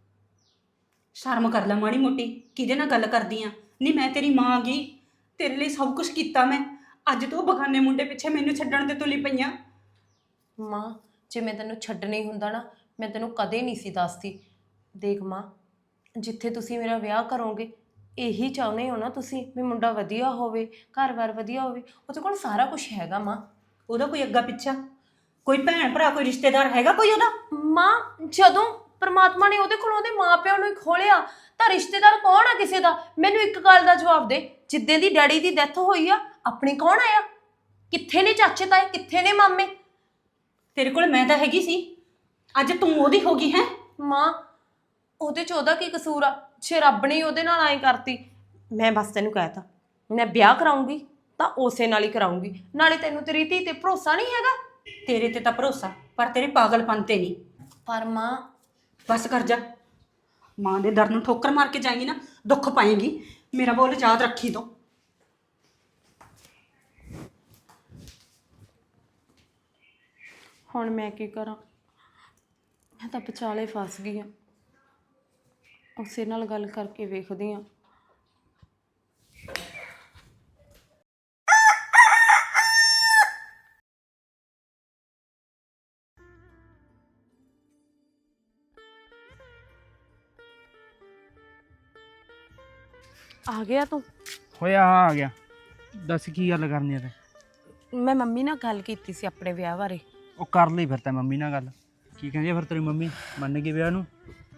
ਸ਼ਰਮ ਕਰ ਲੈ ਮਾੜੀ ਮੋਟੀ, ਕਿਹਦੇ ਨਾਲ ਗੱਲ ਕਰਦੀ ਆ? ਨਹੀਂ ਮੈਂ ਤੇਰੀ ਮਾਂ ਗਈ, ਤੇਰੇ ਲਈ ਸਭ ਕੁਝ ਕੀਤਾ ਮੈਂ, ਅੱਜ ਤੂੰ ਬਗਾਨੇ ਮੁੰਡੇ ਪਿੱਛੇ ਮੈਨੂੰ ਛੱਡਣ ਤੇ ਤੁਲੀ ਪਈਆਂ।
ਮਾਂ ਜੇ ਮੈਂ ਤੈਨੂੰ ਛੱਡਣੀ ਹੁੰਦਾ ਨਾ ਮੈਂ ਤੈਨੂੰ ਕਦੇ ਨਹੀਂ ਸੀ ਦੱਸਦੀ। ਦੇਖ ਮਾਂ, ਜਿੱਥੇ ਤੁਸੀਂ ਮੇਰਾ ਵਿਆਹ ਕਰੋਗੇ ਇਹੀ ਚਾਹੁੰਦੇ ਹੋ ਨਾ ਤੁਸੀਂ ਵੀ ਮੁੰਡਾ ਵਧੀਆ ਹੋਵੇ, ਘਰ-ਬਾਰ ਵਧੀਆ ਹੋਵੇ, ਉਹਦੇ ਕੋਲ ਸਾਰਾ ਕੁਝ ਹੈਗਾ ਮਾਂ।
ਉਹਦਾ ਕੋਈ ਅੱਗਾ ਪਿੱਛਾ, ਕੋਈ ਭੈਣ ਭਰਾ, ਕੋਈ ਰਿਸ਼ਤੇਦਾਰ ਹੈਗਾ ਕੋਈ ਉਹਦਾ?
ਮਾਂ ਜਦੋਂ ਪਰਮਾਤਮਾ ਨੇ ਉਹਦੇ ਕੋਲ ਉਹਦੇ ਮਾਪਿਆਂ ਨੂੰ ਹੀ ਖੋਲਿਆ ਤਾਂ ਰਿਸ਼ਤੇਦਾਰ ਕੌਣ ਆ ਕਿਸੇ ਦਾ? ਮੈਨੂੰ ਇੱਕ ਗੱਲ ਦਾ ਜਵਾਬ ਦੇ, ਜਿੱਦਾਂ ਦੀ ਡੈਡੀ ਦੀ ਡੈਥ ਹੋਈ ਆ ਆਪਣੇ ਕੌਣ ਆਇਆ? ਕਿੱਥੇ ਨੇ ਚਾਚੇ ਤਾਏ, ਕਿੱਥੇ ਨੇ ਮਾਮੇ?
ਤੇਰੇ ਕੋਲ ਮੈਂ ਤਾਂ ਹੈਗੀ ਸੀ, ਅੱਜ ਤੂੰ ਉਹਦੀ ਹੋ ਗਈ ਹੈ।
ਮਾਂ ਉਹਦੇ 'ਚ ਉਹਦਾ ਕੀ ਕਸੂਰ ਆ? ਜੇ ਰੱਬ ਨੇ ਉਹਦੇ ਨਾਲ ਐਂ ਕਰਤੀ, ਮੈਂ ਬਸ ਤੈਨੂੰ ਕਹਿਤਾ ਮੈਂ ਵਿਆਹ ਕਰਾਉਂਗੀ ਤਾਂ ਉਸੇ ਨਾਲ ਹੀ ਕਰਾਉਂਗੀ। ਨਾਲੇ ਤੈਨੂੰ ਤੇਰੀ ਧੀ ਤੇ ਭਰੋਸਾ ਨਹੀਂ ਹੈਗਾ?
ਤੇਰੇ ਤੇ ਤਾਂ ਭਰੋਸਾ, ਪਰ ਤੇਰੇ ਪਾਗਲਪਨ ਤੇ ਨਹੀਂ।
ਪਰ ਮਾਂ
ਬਸ ਕਰ ਜਾ, ਮਾਂ ਦੇ ਦਰ ਨੂੰ ਠੋਕਰ ਮਾਰ ਕੇ ਜਾਏਂਗੀ ਨਾ ਦੁੱਖ ਪਾਏਂਗੀ। ਮੇਰਾ ਬੋਲ ਯਾਦ ਰੱਖੀ ਤੂੰ।
ਹੁਣ ਮੈਂ ਕੀ ਕਰਾਂ? ਮੈਂ ਤਾਂ ਵਿਚਾਲੇ ਫਸ ਗਈ ਹਾਂ। ਉਸੇ ਨਾਲ ਗੱਲ ਕਰਕੇ ਵੇਖਦੀ ਹਾਂ। ਆ ਗਿਆ ਤੂੰ?
ਹੋਇਆ ਆ ਗਿਆ। ਦੱਸ ਕੀ ਗੱਲ ਕਰਨੀ ਆ ਤੇ?
ਮੈਂ ਮੰਮੀ ਨਾਲ ਗੱਲ ਕੀਤੀ ਸੀ ਆਪਣੇ ਵਿਆਹ ਬਾਰੇ।
ਉਹ ਕਰ ਲਈ ਫਿਰ ਤਾਂ ਮੰਮੀ ਨਾਲ ਗੱਲ। ਕੀ ਕਹਿੰਦੀ ਆ ਫਿਰ ਤੇਰੀ ਮੰਮੀ? ਮੰਨ ਗਈ ਵਿਆਹ ਨੂੰ?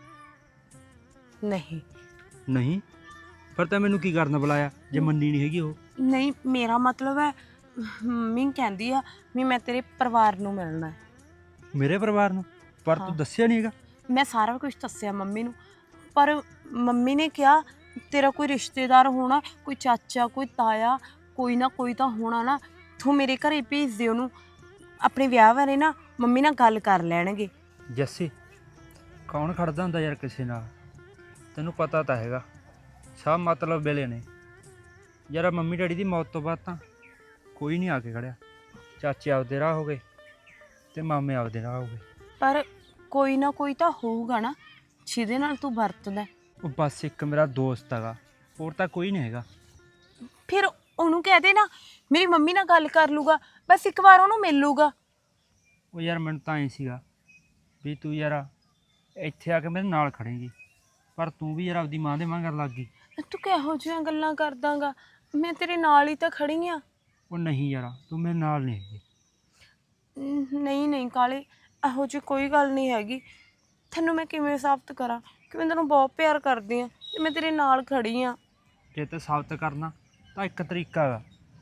ਨਹੀਂ
ਨਹੀਂ? ਫਿਰ ਤਾਂ ਮੈਨੂੰ ਕੀ ਕਰਨ ਬੁਲਾਇਆ ਜੇ ਮੰਨੀ ਨਹੀਂ ਹੈਗੀ ਉਹ?
ਨਹੀਂ, ਮੇਰਾ ਮਤਲਬ ਹੈ ਮੰਮੀ ਕਹਿੰਦੀ ਆ ਵੀ ਮੈਂ ਤੇਰੇ ਪਰਿਵਾਰ ਨੂੰ ਮਿਲਣਾ ਹੈ।
ਮੇਰੇ ਪਰਿਵਾਰ ਨੂੰ? ਪਰ
ਹਾਂ।
ਤੂੰ ਦੱਸਿਆ ਨਹੀਂ ਹੈਗਾ।
ਮੈਂ ਸਾਰਾ ਕੁਝ ਦੱਸਿਆ ਮੰਮੀ ਨੂੰ, ਪਰ ਮੰਮੀ ਨੇ ਕਿਹਾ ਤੇਰਾ ਕੋਈ ਰਿਸ਼ਤੇਦਾਰ ਹੋਣਾ, ਕੋਈ ਚਾਚਾ, ਕੋਈ ਤਾਇਆ, ਕੋਈ ਨਾ ਕੋਈ ਤਾਂ ਹੋਣਾ ਨਾ, ਤੂੰ ਮੇਰੇ ਘਰੇ ਭੇਜ ਦੇ ਉਹਨੂੰ। ਆਪਣੇ ਵਿਆਹ ਬਾਰੇ ਨਾ ਮੰਮੀ ਨਾਲ ਗੱਲ ਕਰ ਲੈਣਗੇ।
ਜੱਸੀ, ਕੌਣ ਖੜਦਾ ਹੁੰਦਾ ਯਾਰ ਕਿਸੇ ਨਾਲ? ਤੈਨੂੰ ਪਤਾ ਤਾਂ ਹੈਗਾ ਸਭ ਮਤਲਬ ਵੇਲੇ ਨੇ ਯਾਰ। ਮੰਮੀ ਡੈਡੀ ਦੀ ਮੌਤ ਤੋਂ ਬਾਅਦ ਤਾਂ ਕੋਈ ਨਹੀਂ ਆ ਕੇ ਖੜਿਆ। ਚਾਚੇ ਆਪਦੇ ਰਾਹ ਹੋ ਗਏ ਤੇ ਮਾਮੇ ਆਪਦੇ ਰਾਹ ਹੋ ਗਏ।
ਪਰ ਕੋਈ ਨਾ ਕੋਈ ਤਾਂ ਹੋਊਗਾ ਨਾ ਜਿਹਦੇ ਨਾਲ ਤੂੰ ਵਰਤਦਾ।
ਉਹ ਬਸ ਇੱਕ ਮੇਰਾ ਦੋਸਤ ਹੈਗਾ, ਹੋਰ ਤਾਂ ਕੋਈ ਨਹੀਂ ਹੈਗਾ।
ਫਿਰ ਉਹਨੂੰ ਕਹਿ ਦੇ ਨਾ ਮੇਰੀ ਮੰਮੀ ਨਾਲ ਗੱਲ ਕਰ ਲੂਗਾ, ਬਸ ਇੱਕ ਵਾਰ ਉਹਨੂੰ ਮਿਲ ਲੂਗਾ।
ਉਹ ਯਾਰ ਮੈਨੂੰ ਤਾਂ ਐਂ ਸੀਗਾ ਵੀ ਤੂੰ ਯਾਰ ਇੱਥੇ ਆ ਕੇ ਮੇਰੇ ਨਾਲ ਖੜੇਂਗੀ, ਪਰ ਤੂੰ ਵੀ ਯਾਰ ਆਪਦੀ ਮਾਂ ਦੇ ਮਗਰ ਲੱਗ ਗਈ।
ਤੂੰ ਕਿਹੋ ਜਿਹੀਆਂ ਗੱਲਾਂ ਕਰਦਾਂਗਾ? ਮੈਂ ਤੇਰੇ ਨਾਲ ਹੀ ਤਾਂ ਖੜੀ ਆ।
ਉਹ ਨਹੀਂ ਯਾਰ, ਤੂੰ ਮੇਰੇ ਨਾਲ ਨਹੀਂ ਹੈਗੀ।
ਨਹੀਂ ਨਹੀਂ ਕਾਲੇ, ਇਹੋ ਜਿਹੀ ਕੋਈ ਗੱਲ ਨਹੀਂ ਹੈਗੀ। ਤੈਨੂੰ ਮੈਂ ਕਿਵੇਂ ਸਾਬਤ ਕਰਾਂ ਕਿ ਮੈਂ ਤੈਨੂੰ ਬਹੁਤ ਪਿਆਰ ਕਰਦੀ ਆ ਤੇ ਮੈਂ ਤੇਰੇ ਨਾਲ ਖੜੀ ਆ।
ਜੇ ਤੇ ਸਾਬਤ ਕਰਨਾ ਤਾਂ ਇੱਕ ਤਰੀਕਾ ਹੈਗਾ।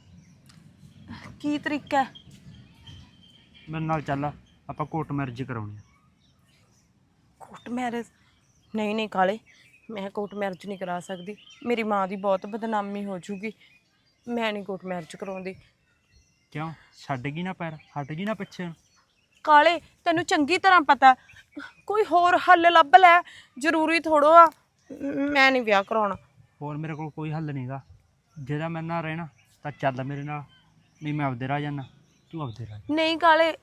ਕੀ ਤਰੀਕਾ ਹੈ?
ਮੇਰੇ ਨਾਲ ਚੱਲ, ਆਪਾਂ ਕੋਰਟ ਮੈਰਿਜ ਕਰਾਉਣੀ ਆ।
Court marriage? ਨਹੀਂ ਨਹੀਂ ਕਾਲੇ, ਮੈਂ ਕੋਰਟ ਮੈਰਿਜ ਨਹੀਂ ਕਰਾ ਸਕਦੀ। ਮੇਰੀ ਮਾਂ ਦੀ ਬਹੁਤ ਬਦਨਾਮੀ ਹੋ ਜੂਗੀ। ਮੈਂ ਨਹੀਂ ਕੋਰਟ ਮੈਰਿਜ ਕਰਾਉਂਦੀ।
ਕਿਉਂ? ਛੱਡ ਗਈ ਨਾ ਪੈਰ, ਹਟ ਗਈ ਨਾ ਪਿੱਛੇ?
ਕਾਲੇ ਤੈਨੂੰ ਚੰਗੀ ਤਰ੍ਹਾਂ ਪਤਾ, ਕੋਈ ਹੋਰ ਹੱਲ ਲੱਭ ਲੈ। ਜ਼ਰੂਰੀ ਥੋੜੋ ਆ ਮੈਂ ਨਹੀਂ ਵਿਆਹ ਕਰਾਉਣਾ।
ਹੋਰ ਮੇਰੇ ਕੋਲ ਕੋਈ ਹੱਲ ਨਹੀਂਗਾ। ਜਿਹੜਾ ਮੇਰੇ ਨਾਲ ਰਹਿਣਾ ਤਾਂ ਚੱਲ ਮੇਰੇ ਨਾਲ, ਨਹੀਂ ਮੈਂ ਆਪਦੇ ਰਾਹ ਜਾਣਾ, ਤੂੰ ਆਪਦੇ ਰਾਹ।
ਨਹੀਂ ਕਾਲੇ,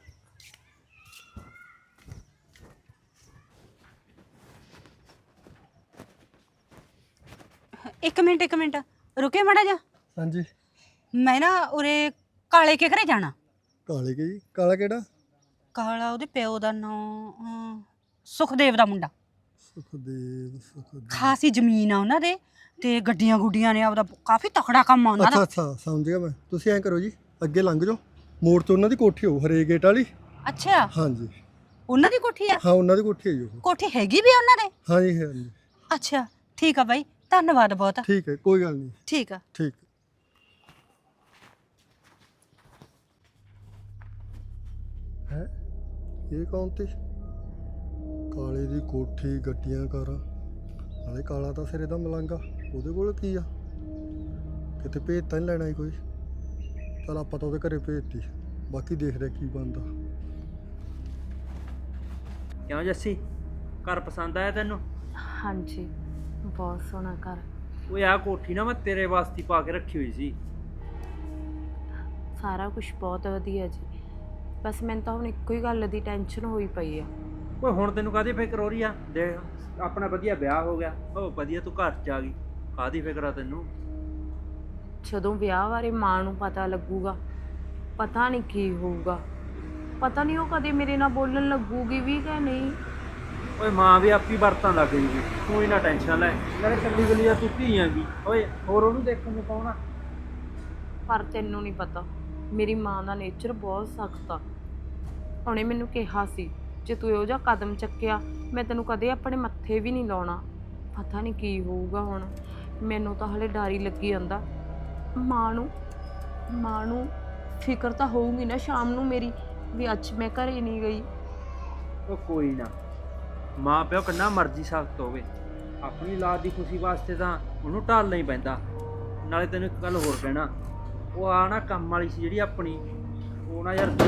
ਇੱਕ ਮਿੰਟ ਰੁਕੇ ਮਾੜਾ ਜਾ।
ਹਾਂਜੀ।
ਮੈਂ ਨਾ ਉਰੇ ਕਾਲੇ ਕੇ ਘਰੇ ਜਾਣਾ।
ਕਾਲੇ ਕੇ ਜੀ? ਕਾਲਾ ਕਿਹੜਾ?
ਕਾਲਾ ਉਹਦੇ ਪਿਓ ਦਾ ਨਾਂ ਸੁਖਦੇਵ ਦਾ ਮੁੰਡਾ।
ਸੁਖਦੇਵ।
ਖਾਸੀ ਜ਼ਮੀਨ ਆ ਉਹਨਾਂ ਦੇ ਤੇ ਗੱਡੀਆਂ ਗੁੱਡੀਆਂ ਨੇ, ਆਪਦਾ ਕਾਫੀ ਤਕੜਾ ਕੰਮ ਆ ਉਹਨਾਂ
ਅੱਛਾ
ਦਾ।
ਅੱਛਾ, ਸਮਝ ਗਿਆ ਮੈਂ। ਤੁਸੀਂ ਐਂ ਕਰੋ ਜੀ, ਅੱਗੇ ਲੰਘ ਜਾਓ, ਮੋੜ ਤੋਂ ਉਹਨਾਂ ਦੀ ਕੋਠੀ ਹੋਊ, ਹਰੇ ਗੇਟ ਵਾਲੀ।
ਅੱਛਾ,
ਹਾਂਜੀ
ਉਹਨਾਂ ਦੀ ਕੋਠੀ ਆ?
ਹਾਂ, ਉਹਨਾਂ ਦੀ ਕੋਠੀ ਹੈ ਜੀ ਉਹ।
ਕੋਠੀ ਹੈਗੀ ਵੀ ਆ ਉਹਨਾਂ ਦੇ?
ਹਾਂਜੀ ਹਾਂਜੀ।
ਅੱਛਾ ਠੀਕ ਆ ਬਾਈ, ਧੰਨਵਾਦ ਬਹੁਤ।
ਠੀਕ ਹੈ, ਕੋਈ ਗੱਲ ਨਹੀਂ।
ਠੀਕ ਆ।
ਠੀਕ ਹੈ। ਇਹ ਕੌਣ ਤੇ? ਕਾਲੇ ਦੀ ਕੋਠੀ, ਗੱਡੀਆਂ, ਕਾਰਾਂ, ਨਾਲੇ ਕਾਲਾ ਤਾਂ ਸਿਰੇ ਦਾ ਮਲੰਗਾ। ਉਹਦੇ ਕੋਲ ਕੀ ਆ? ਕਿਤੇ ਭੇਜ ਤਾਂ ਨਹੀਂ ਲੈਣਾ ਸੀ ਕੋਈ? ਚਲ ਆਪਾਂ ਤਾਂ ਉਹਦੇ ਘਰੇ ਭੇਜਤੀ, ਬਾਕੀ ਦੇਖਦੇ ਕੀ ਬਣਦਾ।
ਕਿਉਂ ਜੱਸੀ, ਘਰ ਪਸੰਦ ਆਇਆ ਤੈਨੂੰ?
ਹਾਂਜੀ ਬਹੁਤ ਸੋਹਣਾ ਘਰ।
ਉਹ ਆਹ ਕੋਠੀ ਨਾ ਮੈਂ ਤੇਰੇ ਵਾਸਤੇ ਪਾ ਕੇ ਰੱਖੀ ਹੋਈ ਸੀ।
ਸਾਰਾ ਕੁਝ ਬਹੁਤ ਵਧੀਆ ਜੀ, ਬਸ ਮੈਨੂੰ ਤਾਂ ਹੁਣ ਇੱਕੋ ਹੀ ਗੱਲ ਦੀ ਟੈਨਸ਼ਨ ਹੋਈ ਪਈ ਆ।
ਓਏ ਹੁਣ ਤੈਨੂੰ ਕਾਹਦੀ ਫਿਕਰ ਹੋ ਰਹੀ ਆ? ਦੇਖ ਆਪਣਾ ਵਧੀਆ ਵਿਆਹ ਹੋ ਗਿਆ, ਉਹ ਵਧੀਆ ਤੂੰ ਘਰ 'ਚ ਆ ਗਈ, ਕਾਹਦੀ ਫਿਕਰ ਆ ਤੈਨੂੰ?
ਜਦੋਂ ਵਿਆਹ ਬਾਰੇ ਮਾਂ ਨੂੰ ਪਤਾ ਲੱਗੂਗਾ, ਪਤਾ ਨਹੀਂ ਕੀ ਹੋਊਗਾ। ਪਤਾ ਨਹੀਂ ਉਹ ਕਦੇ ਮੇਰੇ ਨਾਲ ਬੋਲਣ ਲੱਗੂਗੀ ਵੀ ਕਿ ਨਹੀਂ।
ਓਏ ਮਾਂ ਵੀ ਆਪੀ ਵਰਤਾਂ ਲੱਗ ਗਈ, ਤੂੰ ਇਹਨਾਂ ਟੈਨਸ਼ਨ ਲੈ। ਨਾਲੇ ਕੱਲੀ ਗਲੀ ਆ, ਤੂੰ ਧੀ ਆਂਗੀ। ਓਏ ਹੋਰ ਉਹਨੂੰ ਦੇਖਣ ਨੂੰ ਕੌਣ ਆ?
ਪਰ ਤੈਨੂੰ ਨਹੀਂ ਪਤਾ, ਮੇਰੀ ਮਾਂ ਦਾ ਨੇਚਰ ਬਹੁਤ ਸਖਤ ਆ। ਉਹਨੇ ਮੈਨੂੰ ਕਿਹਾ ਸੀ ਜੇ ਤੂੰ ਇਹੋ ਜਿਹਾ ਕਦਮ ਚੱਕਿਆ ਮੈਂ ਤੈਨੂੰ ਕਦੇ ਆਪਣੇ ਮੱਥੇ ਵੀ ਨਹੀਂ ਲਾਉਣਾ। ਪਤਾ ਨਹੀਂ ਕੀ ਹੋਊਗਾ ਹੁਣ, ਮੈਨੂੰ ਤਾਂ ਹਲੇ ਡਰ ਹੀ ਲੱਗੀ ਜਾਂਦਾ। ਮਾਂ ਨੂੰ ਫਿਕਰ ਤਾਂ ਹੋਊਗੀ ਨਾ ਸ਼ਾਮ ਨੂੰ ਮੇਰੀ, ਵੀ ਅੱਜ ਮੈਂ ਘਰੇ ਨਹੀਂ ਗਈ।
ਉਹ ਕੋਈ ਨਾ, ਮਾਂ ਪਿਓ ਕਿੰਨਾ ਮਰਜ਼ੀ ਸਖਤ ਹੋਵੇ, ਆਪਣੀ ਔਲਾਦ ਦੀ ਖੁਸ਼ੀ ਵਾਸਤੇ ਤਾਂ ਉਹਨੂੰ ਢਾਲਣਾ ਹੀ ਪੈਂਦਾ। ਨਾਲੇ ਤੈਨੂੰ ਇੱਕ ਗੱਲ ਹੋਰ ਕਹਿਣਾ, ਉਹ ਆ ਨਾ ਕੰਮ ਵਾਲੀ ਸੀ ਜਿਹੜੀ ਆਪਣੀ, ਉਹ ਨਾ ਯਾਰ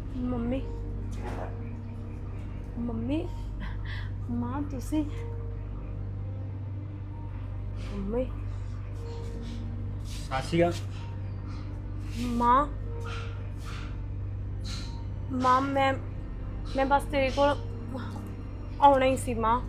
ਮੰਮੀ ਮਾਂ ਤੁਸੀਂ ਮੰਮੀ
ਸਾਸੀਆ
ਮਾਂ ਮੈਂ ਬਸ ਤੇਰੇ ਕੋਲ ਆਉਣਾ ਹੀ ਸੀ ਮਾਂ।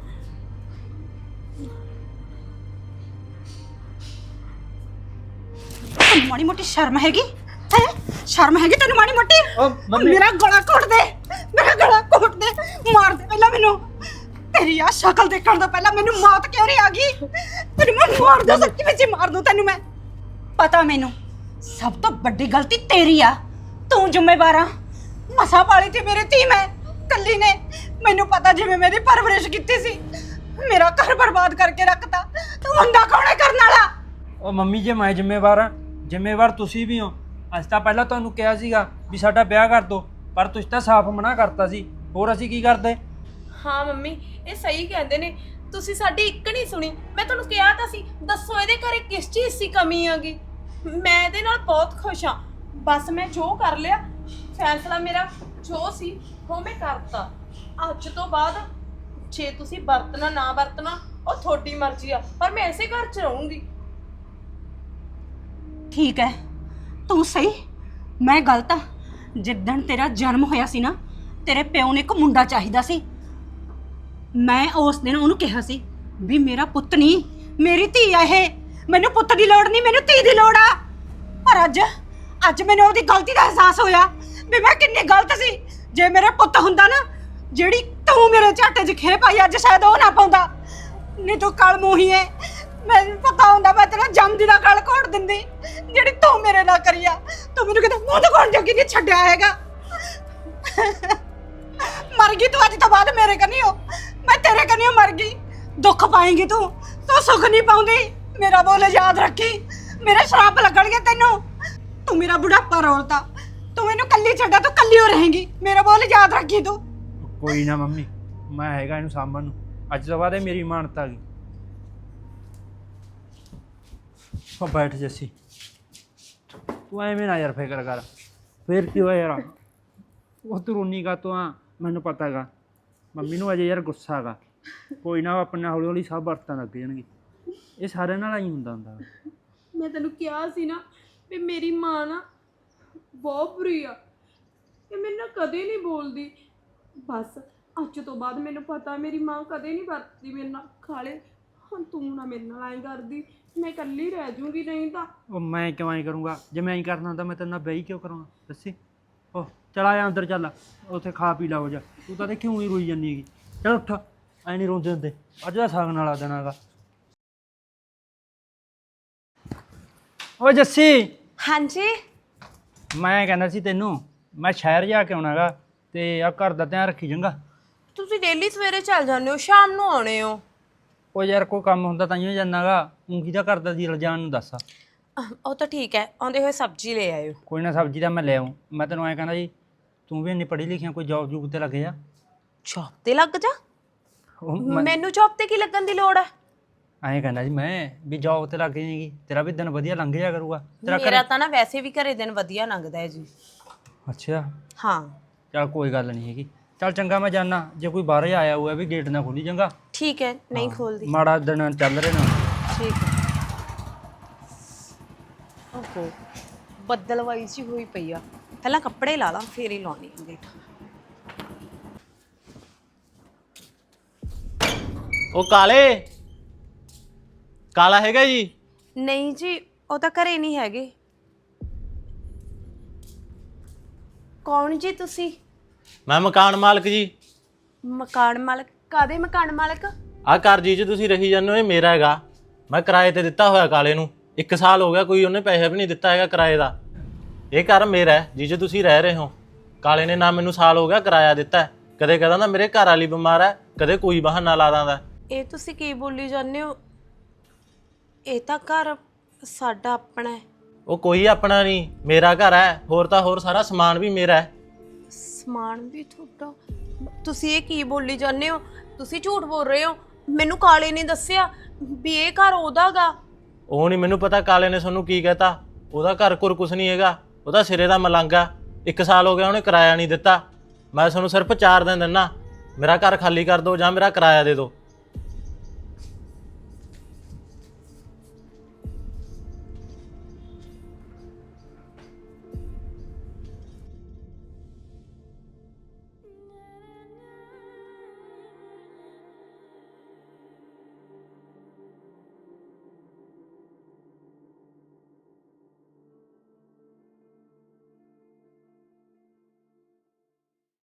ਤੈਨੂੰ ਮਾੜੀ ਮੋਟੀ ਸ਼ਰਮ ਹੈਗੀ ਹੈ? ਸ਼ਰਮ ਹੈਗੀ ਤੈਨੂੰ ਮਾੜੀ ਮੋਟੀ?
ਓ ਮੰਮੀ
ਮੇਰਾ ਗਲਾ ਘੋਟ ਦੇ, ਮੇਰਾ ਗਲਾ ਘੋਟ ਦੇ, ਮਾਰ ਦੇ ਪਹਿਲਾਂ ਮੈਨੂੰ। ਤੇਰੀ ਆ ਸ਼ਕਲ ਦੇਖਣ ਤੋਂ ਪਹਿਲਾਂ ਮੈਨੂੰ ਮੌਤ ਕਿਉਂ ਨਹੀਂ ਆ ਗਈ? ਤੈਨੂੰ ਮੈਂ ਮਾਰ ਦੂੰ, ਸੱਚੀ ਵਿੱਚ ਹੀ ਮਾਰ ਦੂੰ ਤੈਨੂੰ ਮੈਂ। ਪਤਾ ਮੈਨੂੰ ਸਭ ਤੋਂ ਵੱਡੀ ਗਲਤੀ ਤੇਰੀ ਆ, ਤੂੰ ਜ਼ਿੰਮੇਵਾਰ ਆ। ਮਸਾ ਪਾਲੀ ਤੇ ਮੇਰੇ ਧੀ ਮੈਂ ਕੱਲੀ ਨੇ। ਮੈਨੂੰ ਪਤਾ ਜਿਵੇਂ ਮੇਰੀ ਪਰਵਰਿਸ਼ ਕੀਤੀ ਸੀ, ਮੇਰਾ ਘਰ ਬਰਬਾਦ ਕਰਕੇ ਰੱਖਤਾ। ਤੂੰ ਹੁੰਦਾ ਕੌਣ ਹੈ ਕਰਨ ਵਾਲਾ?
ਉਹ ਮੰਮੀ ਜੇ ਮੈਂ ਜ਼ਿੰਮੇਵਾਰ ਹਾਂ, ਜ਼ਿੰਮੇਵਾਰ ਤੁਸੀਂ ਵੀ ਹੋ। ਅਸੀਂ ਤਾਂ ਪਹਿਲਾਂ ਤੁਹਾਨੂੰ ਕਿਹਾ ਸੀਗਾ ਵੀ ਸਾਡਾ ਵਿਆਹ ਕਰ ਦਿਓ, ਪਰ ਤੁਸੀਂ ਤਾਂ ਸਾਫ਼ ਮਨਾ ਕਰਤਾ ਸੀ। ਹੋਰ ਅਸੀਂ ਕੀ ਕਰਦੇ?
ਹਾਂ ਮੰਮੀ, ਇਹ ਸਹੀ ਕਹਿੰਦੇ ਨੇ, ਤੁਸੀਂ ਸਾਡੀ ਇੱਕ ਨਹੀਂ ਸੁਣੀ। ਮੈਂ ਤੁਹਾਨੂੰ ਕਿਹਾ ਤਾਂ ਸੀ, ਦੱਸੋ ਇਹਦੇ ਘਰੇ ਕਿਸ ਚੀਜ਼ ਦੀ ਕਮੀ ਆਗੀ। ਮੈਂ ਇਹਦੇ ਨਾਲ ਬਹੁਤ ਖੁਸ਼ ਹਾਂ। ਬਸ ਮੈਂ ਜੋ ਕਰ ਲਿਆ, ਫੈਸਲਾ ਮੇਰਾ ਜੋ ਸੀ ਉਹ ਮੈਂ ਕਰਤਾ। ਅੱਜ ਤੋਂ ਬਾਅਦ ਜੇ ਤੁਸੀਂ ਵਰਤਣਾ ਨਾ ਵਰਤਣਾ ਉਹ ਤੁਹਾਡੀ ਮਰਜ਼ੀ ਆ, ਪਰ ਮੈਂ ਇਸੇ ਘਰ 'ਚ ਰਹੂੰਗੀ।
ਠੀਕ ਹੈ, ਤੂੰ ਸਹੀ, ਮੈਂ ਗਲਤ ਆ। ਜਿੱਦਣ ਤੇਰਾ ਜਨਮ ਹੋਇਆ ਸੀ ਨਾ, ਤੇਰੇ ਪਿਓ ਨੇ ਇੱਕ ਮੁੰਡਾ ਚਾਹੀਦਾ ਸੀ। ਮੈਂ ਉਸ ਦਿਨ ਉਹਨੂੰ ਕਿਹਾ ਸੀ ਵੀ ਮੇਰਾ ਪੁੱਤ ਨਹੀਂ, ਮੇਰੀ ਧੀ ਆ ਇਹ। ਮੈਨੂੰ ਪੁੱਤ ਦੀ ਲੋੜ ਨਹੀਂ, ਮੈਨੂੰ ਧੀ ਦੀ ਲੋੜ ਆ। ਪਰ ਅੱਜ ਮੈਨੂੰ ਉਹਦੀ ਗਲਤੀ ਦਾ ਅਹਿਸਾਸ ਹੋਇਆ ਵੀ ਮੈਂ ਕਿੰਨੀ ਗਲਤ ਸੀ। ਜੇ ਮੇਰੇ ਪੁੱਤ ਹੁੰਦਾ ਨਾ, ਜਿਹੜੀ ਤੂੰ ਮੇਰੇ ਝਾਟੇ 'ਚ ਖੇ ਪਾਈ, ਅੱਜ ਸ਼ਾਇਦ ਉਹ ਨਾ ਪਾਉਂਦਾ। ਨਹੀਂ ਤੂੰ ਕਲ ਮੂੰਹੀ ਏ। ਮੈਨੂੰ ਪਤਾ ਹੁੰਦਾ ਮੈਂ ਤੇਰਾ ਜੰਮਦੀ ਦਾ ਗਲ ਘੋੜ ਦਿੰਦੀ, ਜਿਹੜੀ ਤੂੰ ਮੇਰੇ ਨਾਲ ਕਰੀ ਆ। ਤੂੰ ਮੈਨੂੰ ਕਿਤੇ ਮੂੰਹ ਦਿਖਾਉਣ ਜੋਗੀ ਨਹੀਂ ਛੱਡਿਆ ਹੈਗਾ। ਮਰ ਗਈ ਤੂੰ ਅੱਜ ਤੋਂ ਬਾਅਦ ਮੇਰੇ ਕਨੀ ਹੋ, ਮੈਂ ਤੇਰੇ ਕਨੀ ਮਰ ਗਈ। ਦੁੱਖ ਪਾਏਂਗੀ ਤੂੰ ਸੁੱਖ ਨਹੀਂ ਪਾਉਂਦੀ। ਮੇਰਾ ਬੋਲ ਯਾਦ ਰੱਖੀ, ਮੇਰੇ ਸ਼ਰਾਪ ਲੱਗਣਗੇ ਤੈਨੂੰ। ਤੂੰ ਮੇਰਾ ਬੁਢਾਪਾ ਰੋਲਤਾ, ਤੂੰ ਮੈਨੂੰ ਕੱਲੀ ਛੱਡਾ, ਤੂੰ ਕੱਲੀ ਹੋ ਰਹੇਂਗੀ। ਮੇਰਾ ਬੋਲ ਯਾਦ ਰੱਖੀ ਤੂੰ।
ਕੋਈ ਨਾ ਮੰਮੀ, ਮੈਂ ਹੈਗਾ ਇਹਨੂੰ ਸਾਂਭਣ ਨੂੰ। ਅੱਜ ਤੋਂ ਬਾਅਦ ਇਹ ਮੇਰੀ ਇਮਾਨਤ ਆ ਗਈ। ਉਹ ਬੈਠ ਜੱਸੀ, ਤੂੰ ਐਵੇਂ ਨਾ ਯਾਰ ਫਿਕਰ ਕਰ। ਫੇਰ ਕੀ ਹੋਇਆ ਯਾਰ? ਉਹ ਤੂੰ ਰੋਣੀ ਕਾ ਤੂੰ ਆ? ਮੈਨੂੰ ਪਤਾ ਹੈਗਾ ਮੰਮੀ ਨੂੰ ਅਜੇ ਯਾਰ ਗੁੱਸਾ ਹੈਗਾ। ਕੋਈ ਨਾ, ਆਪਣੇ ਹੌਲੀ ਹੌਲੀ ਸਭ ਵਰਤਣ ਲੱਗ ਜਾਣਗੇ। ਇਹ ਸਾਰਿਆਂ ਨਾਲ ਹੀ ਹੁੰਦਾ।
ਮੈਂ ਤੈਨੂੰ ਕਿਹਾ ਸੀ ਨਾ ਵੀ ਮੇਰੀ ਮਾਂ ਨਾ ਬਹੁਤ ਬੁਰੀ ਆ, ਇਹ ਮੇਰੇ ਨਾਲ ਕਦੇ ਨਹੀਂ ਬੋਲਦੀ। ਬਸ ਅੱਜ ਤੋਂ ਬਾਅਦ ਮੈਨੂੰ ਪਤਾ ਮੇਰੀ ਮਾਂ ਕਦੇ ਨਹੀਂ ਵਰਤਦੀ ਮੇਰੇ ਨਾਲ। ਖਾਲੇ ਹੁਣ ਤੂੰ ਨਾ ਮੇਰੇ ਨਾਲ ਐਂ ਕਰਦੀ, ਮੈਂ ਇਕੱਲੀ ਰਹਿ ਜੂੰਗੀ। ਨਹੀਂ ਤਾਂ
ਉਹ ਮੈਂ ਕਿਉਂ ਐਂ ਕਰੂੰਗਾ? ਜੇ ਮੈਂ ਐਂ ਕਰਨਾ ਤਾਂ ਮੈਂ ਤੇਰੇ ਨਾਲ ਵਿਆਹ ਕਿਉਂ ਕਰਾਉਣਾ? ਦੱਸੀ। ਉਹ ਚਲ ਆ ਅੰਦਰ ਚੱਲ, ਉੱਥੇ ਖਾ ਪੀ ਲਾ ਹੋ ਜਾ। ਤੂੰ ਤਾਂ ਕਿਉਂ ਨਹੀਂ ਰੋਈ ਜਾਂਦੀ ਹੈਗੀ? ਚੱਲ ਉੱਠ, ਐਂ ਨਹੀਂ ਰੋਂਦੇ ਹੁੰਦੇ। ਅੱਜ ਦਾ ਸਾਗ ਨਾਲ ਆ ਦੇਣਾ ਹੈਗਾ। ਓ ਜੱਸੀ,
ਹਾਂਜੀ
ਮੈਂ ਕਹਿੰਦਾ ਸੀ ਤੈਨੂੰ, ਮੈਂ ਸ਼ਹਿਰ ਜਾ ਕੇ ਆਉਣਾ ਗਾ, ਤੇ ਆ ਘਰ ਦਾ ਧਿਆਨ ਰੱਖੀ ਚੰਗਾ।
ਤੁਸੀਂ ਡੇਲੀ ਸਵੇਰੇ ਚੱਲ ਜਾਂਦੇ ਹੋ, ਸ਼ਾਮ ਨੂੰ ਆਉਣੇ ਹੋ।
ਉਹ ਯਾਰ ਕੋਈ ਕੰਮ ਹੁੰਦਾ ਤਾਂ ਹੀ ਜਾਂਦਾ ਗਾ। ਉਂਗੀ ਦਾ ਘਰ ਦਾ ਜੀ ਜਾਣ ਨੂੰ ਦੱਸ।
ਉਹ ਤਾਂ ਠੀਕ ਹੈ, ਆਉਂਦੇ ਹੋਏ ਸਬਜ਼ੀ ਲੈ ਆਇਓ।
ਕੋਈ ਨਾ, ਸਬਜ਼ੀ ਦਾ ਮੈਂ ਲੈ ਆਊਂ। ਮੈਂ ਤੈਨੂੰ ਐਂ ਕਹਿੰਦਾ ਜੀ, ਤੂੰ ਵੀ ਇੰਨੀ ਪੜ੍ਹੀ ਲਿਖੀ ਆ, ਕੋਈ ਜੋਬ ਜੂਬ ਤੇ ਲੱਗ ਜਾ।
ਜੌਬ ਤੇ ਲੱਗ ਜਾ?
ਉਹ
ਮੈਨੂੰ ਜੌਬ ਤੇ ਕੀ ਲੱਗਣ ਦੀ ਲੋੜ ਹੈ?
ਐਂ ਕਹਿੰਦਾ ਜੀ ਮੈਂ ਵੀ ਜੋਬ ਤੇ ਲੱਗ ਜਾਏਗੀ, ਤੇਰਾ ਵੀ ਦਿਨ ਵਧੀਆ ਲੰਘ ਜਾ ਕਰੂਗਾ। ਤੇਰਾ
ਮੇਰਾ ਤਾਂ ਨਾ ਵੈਸੇ ਵੀ ਘਰੇ ਦਿਨ ਵਧੀਆ ਲੰਘਦਾ ਹੈ ਜੀ।
ਅੱਛਾ,
ਹਾਂ
ਚੱਲ ਕੋਈ ਗੱਲ ਨਹੀਂ ਹੈਗੀ। ਚੱਲ ਚੰਗਾ, ਮੈਂ ਜਾਣਾ। ਜੇ ਕੋਈ ਬਾਹਰ ਆਇਆ ਹੋਇਆ ਵੀ ਗੇਟ ਨਾ ਖੋਲੀ ਚੰਗਾ।
ਠੀਕ ਹੈ, ਨਹੀਂ ਖੋਲਦੀ।
ਮਾੜਾ ਦਿਨ ਚੱਲ ਰਹੇ ਨਾ।
ਠੀਕ ਹੈ। ਓਹੋ, ਬੱਦਲਵਾਈ ਜੀ ਹੋਈ ਪਈ ਆ। ਪਹਿਲਾਂ ਕੱਪੜੇ ਲਾ ਲਾਂ ਫੇਰ ਹੀ ਲਾਉਣੀ ਆ ਗੇਟ।
ਉਹ ਕਾਲਾ ਹੈਗਾ ਜੀ?
ਨਹੀਂ ਜੀ, ਉਹ ਤਾਂ ਘਰੇ ਨਹੀਂ ਹੈਗੇ। ਕੌਣ ਜੀ ਤੁਸੀਂ?
ਮੈਂ ਮਕਾਨ ਮਾਲਕ ਜੀ।
ਮਕਾਨ ਮਾਲਕ? ਕਾਦੇ ਮਕਾਨ ਮਾਲਕ?
ਆਹ ਘਰ ਜੀ 'ਚ ਤੁਸੀਂ ਰਹੀ ਜਾਂਦੇ ਹੋ, ਇਹ ਮੇਰਾ ਹੈਗਾ। ਮੈਂ ਕਿਰਾਏ ਤੇ ਦਿੱਤਾ ਹੋਇਆ ਕਾਲੇ ਨੂੰ। 1 ਸਾਲ ਹੋ ਗਿਆ, ਕੋਈ ਉਹਨੇ ਪੈਸਾ ਵੀ ਨਹੀਂ ਦਿੱਤਾ ਹੈਗਾ ਕਿਰਾਏ ਦਾ। ਇਹ ਘਰ ਮੇਰਾ ਹੈ ਜੀ 'ਚ ਤੁਸੀਂ ਰਹਿ ਰਹੇ ਹੋ। ਕਾਲੇ ਨੇ ਨਾ ਮੈਨੂੰ ਸਾਲ ਹੋ ਗਿਆ ਕਿਰਾਇਆ ਦਿੱਤਾ। ਕਦੇ ਕਹਿੰਦਾ ਮੇਰੇ ਘਰ ਵਾਲੀ ਬਿਮਾਰ ਹੈ, ਕਦੇ ਕੋਈ ਬਹਾਨਾ ਲਾ ਦਿੰਦਾ।
ਇਹ ਤੁਸੀਂ ਕੀ ਬੋਲੀ ਜਾਂਦੇ ਹੋ? ਇਹ ਤਾਂ ਘਰ ਸਾਡਾ ਆਪਣਾ ਹੈ।
ਉਹ ਕੋਈ ਆਪਣਾ ਨਹੀਂ, ਮੇਰਾ ਘਰ ਹੈ। ਹੋਰ ਤਾਂ ਹੋਰ ਸਾਰਾ ਸਮਾਨ ਵੀ ਮੇਰਾ ਹੈ।
ਸਮਾਨ ਵੀ ਤੁਹਾਡਾ? ਤੁਸੀਂ ਇਹ ਕੀ ਬੋਲੀ ਜਾਂਦੇ ਹੋ? ਤੁਸੀਂ ਝੂਠ ਬੋਲ ਰਹੇ ਹੋ। ਮੈਨੂੰ ਕਾਲੇ ਨੇ ਦੱਸਿਆ ਵੀ ਇਹ ਘਰ ਉਹਦਾ ਗਾ।
ਉਹ ਨਹੀਂ ਮੈਨੂੰ ਪਤਾ ਕਾਲੇ ਨੇ ਤੁਹਾਨੂੰ ਕੀ ਕਹਿਤਾ। ਉਹਦਾ ਘਰ ਘੁਰ ਕੁਛ ਨਹੀਂ ਹੈਗਾ, ਉਹਦਾ ਸਿਰੇ ਦਾ ਮਲੰਗ ਆ। 1 ਸਾਲ ਹੋ ਗਿਆ ਉਹਨੇ ਕਿਰਾਇਆ ਨਹੀਂ ਦਿੱਤਾ। ਮੈਂ ਤੁਹਾਨੂੰ ਸਿਰਫ 4 ਦਿਨ ਦਿੰਦਾ, ਮੇਰਾ ਘਰ ਖਾਲੀ ਕਰ ਦਿਓ ਜਾਂ ਮੇਰਾ ਕਿਰਾਇਆ ਦੇ ਦਿਓ।